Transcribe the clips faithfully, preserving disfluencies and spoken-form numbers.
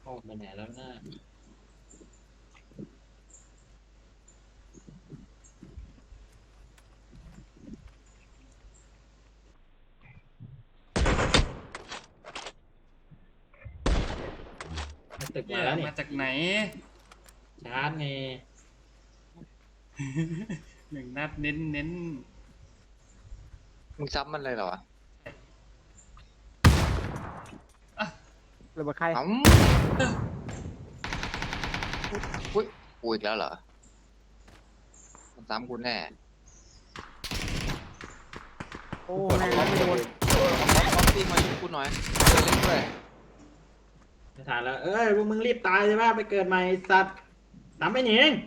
ออกไปไหนแล้วหน้าตึกเหี้มาย แล้วนี่มาจากไหนชาร์จไงหนึ่งนัดเน้นเน้นมึงซับมันเลยเหรอวะหรือว่าใครอ๋ออุ้ยกูอีกแล้วเหรอมันซ้ำกูแน่โอ้แม่งไม่โดนป๊อปป๊อปปี้มาช่วยกูหน่อยเล่นด้วยไม่ทันแล้ว เอ้ยพวกมึงรีบตายใช่ป่ะไปเกิดใหม่สัตว์ตามไปหนิง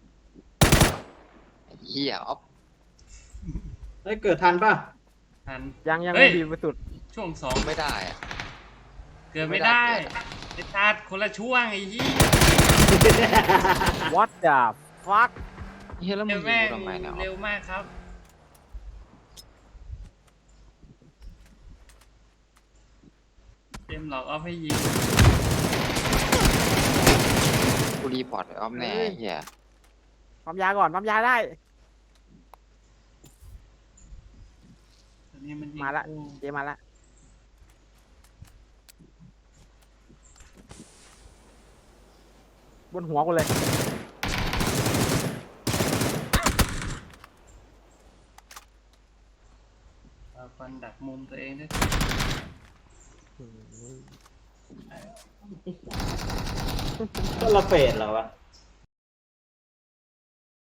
ไอ้เหี้ยอ๊อฟเฮ้ยเกิดทันป่ะทันยังยังเฮ้ไม่ยดีไปสุดช่วงสองไม่ได้อะเกิดไม่ได้ไอ้ชาติคนละช่วงไอ้ยี่ what the fuck เฮ้ยแล้วมึเร็งวยิแม่งงกูทำไมเนี่ยอ๊อเร็ฟวมากครับเต็มหลอกเอาให้ยิงกูรีพอร์ตไอ้อ๊อฟแน่ไอ้เหี้ยปั๊มยาก่อนปั๊มยาได้ตอนนี้มันยิงมาละกูเจมาละบนหัวกูเลยเอาฟันดักมุมตัวเองด้วยก็ละเฟดเหรอวะ